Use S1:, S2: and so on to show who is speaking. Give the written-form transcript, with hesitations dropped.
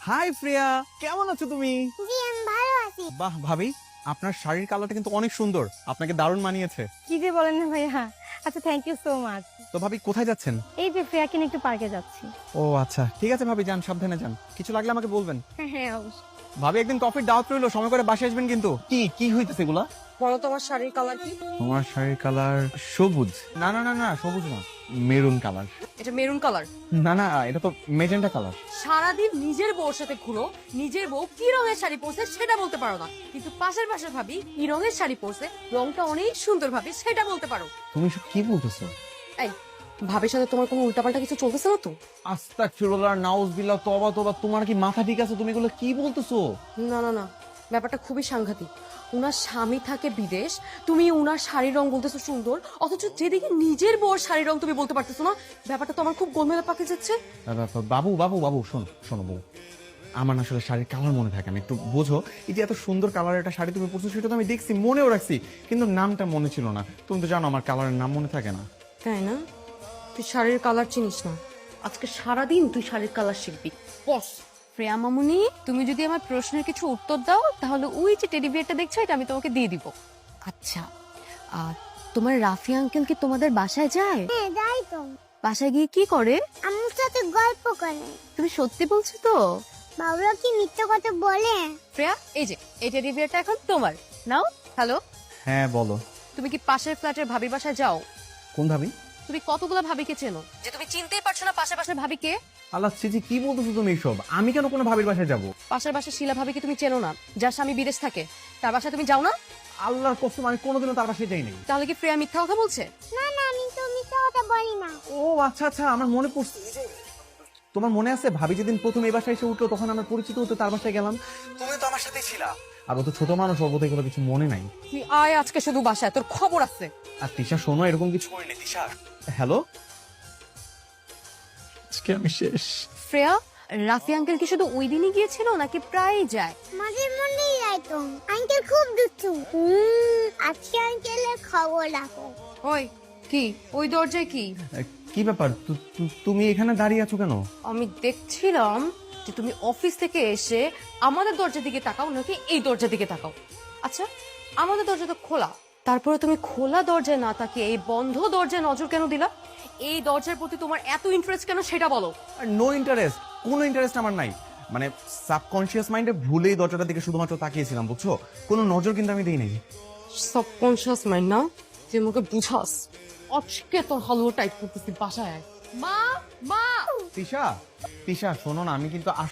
S1: High প্রিয়া, কেমন আছো তুমি?
S2: জি আমি ভালো আছি।
S1: বাহ ভাবি, আপনার শাড়ির কালারটা কিন্তু অনেক সুন্দর, আপনাকে দারুণ মানিয়েছে।
S3: কি যে বলেন না ভাইয়া। আচ্ছা, থ্যাংক ইউ সো মাচ।
S1: তো ভাবি কোথায় যাচ্ছেন?
S3: এই যে ফ্রেয়াকে নিয়ে একটু পার্কে যাচ্ছি।
S1: ও আচ্ছা, ঠিক আছে ভাবি, যান, সাবধানে যান, কিছু লাগলে আমাকে বলবেন।
S3: হ্যাঁ হ্যাঁ অবশ্যই।
S1: ভাবি একদিন কফির দাওয়াত রইলো, সময় করে বাসায় আসবেন কিন্তু। কি কি হইতেছে এগুলা?
S4: বলো তোমার শাড়ির কালার কি?
S1: তোমার শাড়ির কালার সবুজ। না না না না, সবুজ না, মেরুন কালার।
S4: এটা মেরুন কালার।
S1: না না, এটা তো মেজেন্টা কালার।
S4: সারাদিন নিজের বউর সাথে ঘুরো, নিজের বউ কি রঙের শাড়ি পরছে সেটা বলতে পারো না, কিন্তু পাশের ভাবি কি রঙের শাড়ি পরছে, রংটা অনেক সুন্দর ভাবি সেটা বলতে পারো।
S1: তুমি সব কি বলতেছো?
S4: এই ভাবির সাথে তোমার কোনো উল্টাপাল্টা কিছু চলতেছে না তো?
S1: আস্তাগফিরুল্লাহ, নাউজুবিল্লাহ, তওবা তওবা, তোমার কি মাথা ঠিক আছে? তুমি এগুলো কি বলতেছো?
S4: না না না, ব্যাপারটা খুবই সাংঘাতিক। উনার স্বামী থাকে বিদেশ, তুমি উনার শাড়ির রং বলতেছো সুন্দর, অথচ যেদিকে নিজের বউর শাড়ির রং তুমি বলতে পারতেছো না। ব্যাপারটা তো আমার খুব গোলমেলে পাকে যাচ্ছে।
S1: বাবু বাবু বাবু, শোনো শোনো বউ, আমার না আসলে শাড়ির কালার মনে থাকে না, একটু বোঝো। এই যে এত সুন্দর কালারের একটা শাড়ি তুমি পরছো, সেটা তো আমি দেখছি, মনেও রাখছি, কিন্তু নামটা মনে ছিল না। তুমি তো জানো আমার কালারের নাম মনে থাকে না।
S4: তাই না? তুই শাড়ির কালার চিনিস না, আজকে সারাদিন তুই শাড়ির কালার শিখবি। বস
S3: প্রিয়া মামুনি, তুমি যদি আমার প্রশ্নের কিছু উত্তর দাও তাহলে ওই যে টেডি বিয়ারটা দেখছো এটা আমি তোমাকে দিয়ে দিব। আচ্ছা, তোমার রাফি আঙ্কেল কি তোমাদের বাসায় যায়?
S2: হ্যাঁ যাই তো।
S3: বাসায় গিয়ে কি করে?
S2: আম্মুর সাথে গল্প করে।
S3: তুমি সত্যি বলছো তো?
S2: বাবুরা কি মিথ্যা কথা বলে?
S3: প্রিয়া, এই যে এই টেডি বিয়ারটা এখন তোমার, নাও। হ্যালো,
S1: হ্যাঁ বলো।
S3: তুমি কি পাশের ফ্ল্যাটের ভাবির বাসায় যাও?
S1: কোন ভাবি?
S3: তুমি কতগুলো ভাবিকে চেনো যে তুমি চিনতেই পারছো না পাশের পাশের ভাবিকে?
S1: আল্লাহ চিজি, কি বলতেছো তুমি এইসব? আমি কেন কোনো ভাবির বাসায় যাবো?
S3: পাশের বাসার শিলা ভাবিকে তুমি চেনো না, যার স্বামী বিদেশ থাকে, তার বাসায় তুমি যাও না?
S1: আল্লাহর কসম, আমি কোনোদিনও তার বাসায় যাই নাই।
S3: তাহলে কি প্রিয়া মিথ্যা কথা বলছে?
S2: না না আমি তো মিথ্যা কথা বলি না।
S1: ও আচ্ছা আচ্ছা, আমার মনে পড়ছে। তোমার মনে আছে ভাবি যেদিন প্রথম এই বাসায় এসে উঠলো, তখন আমার পরিচিত হতে তার বাসায় গেলাম, তুমি তো আমার সাথেই ছিলা। আর ও তো ছোট মানুষ, ওর বোধহয় এগুলো কিছু মনে নাই।
S4: তুই আয় আজকে শুধু বাসায়, তোর খবর আছে।
S1: আর তিশা শোনো, এরকম কিছু করিনি তিশা। হ্যালো, আজকে আমি শেষ।
S3: শ্রেয়া, রাফি আঙ্কেল কি শুধু ওই দিনই গিয়েছিল নাকি প্রায়ই যায়?
S2: মাঝে মধ্যেই যাই তো। আঙ্কেল খুব দুষ্টু। আজকে আঙ্কেলের খবর রাখো।
S4: ওই কি ওই দরজায় কি?
S1: কি ব্যাপার, তুমি এখানে দাঁড়িয়ে আছো কেন?
S4: আমি দেখছিলাম যে তুমি অফিস থেকে এসে আমাদের দরজার দিকে তাকাও নাকি এই দরজার দিকে তাকাও। আচ্ছা, আমাদের দরজা তো খোলা, তারপরে তুমি খোলা দরজায় না তাকিয়ে এই বন্ধ দরজায় নজর কেন দিলা? এই দরজার প্রতি তোমার এত ইন্টারেস্ট কেন সেটা বলো।
S1: নো ইন্টারেস্ট, কোনো ইন্টারেস্ট আমার নাই। মানে সাবকনশিয়াস মাইন্ডে ভুলেই দরজাটার দিকে শুধুমাত্র তাকিয়েছিলাম, বুঝছো? কোনো নজর কিন্তু আমি দিই নাই।
S4: সাবকনশিয়াস মাইন্ড না, তুই আমাকে বুঝাস। আজকে তোর হালুয়া টাইট করতেছি, বাসায় আয়। মা মা
S1: তিশা, তিশা শোনো না, আমি কিন্তু